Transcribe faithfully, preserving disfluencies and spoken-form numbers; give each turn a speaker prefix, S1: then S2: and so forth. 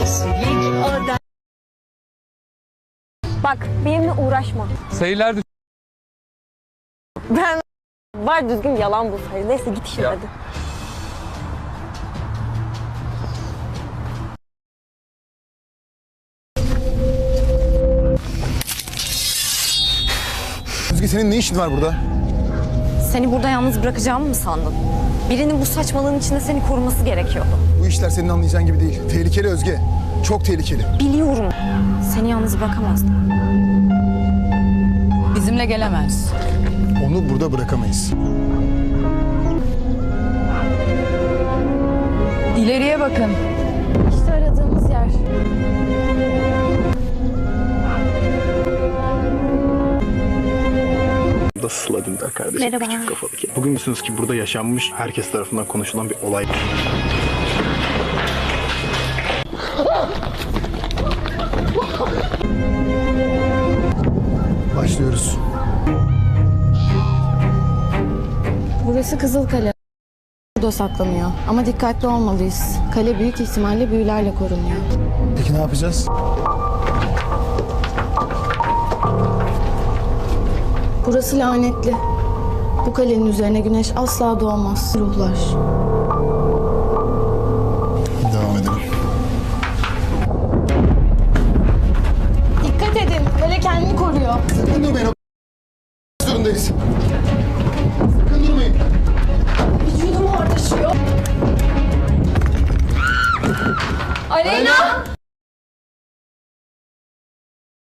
S1: Bak benimle uğraşma.
S2: Sayılar düş-
S1: Ben var düzgün yalan bulsaydı. Neyse git işine
S2: Ya.
S1: hadi.
S3: Özge senin ne işin var burada?
S1: Seni burada yalnız bırakacağımı mı sandın? Birinin bu saçmalığın içinde seni koruması gerekiyordu.
S3: Bu işler senin anlayacağın gibi değil. Tehlikeli Özge. Çok tehlikeli.
S1: Biliyorum. Seni yalnız bırakamazdım.
S4: Bizimle gelemez.
S3: Onu burada bırakamayız.
S4: İleriye bakın.
S1: İşte aradığımız yer.
S5: Da Sıla Dündar kardeşim.
S1: Merhaba.
S5: Küçük kafalı kedi. Bugün biliyorsunuz ki burada yaşanmış, herkes tarafından konuşulan bir olay.
S3: Başlıyoruz.
S6: Burası Kızılkale. Burada saklanıyor. Ama dikkatli olmalıyız. Kale büyük ihtimalle büyülerle korunuyor.
S3: Peki ne yapacağız?
S6: Burası lanetli. Bu kalenin üzerine güneş asla doğmaz. Ruhlar.
S3: Devam edelim.
S6: Dikkat edin. Kale kendini koruyor.
S3: Sakın durmayın. O zorundayız. Sakın durmayın.
S6: Vücudum ortaşıyor.
S1: Aleyna!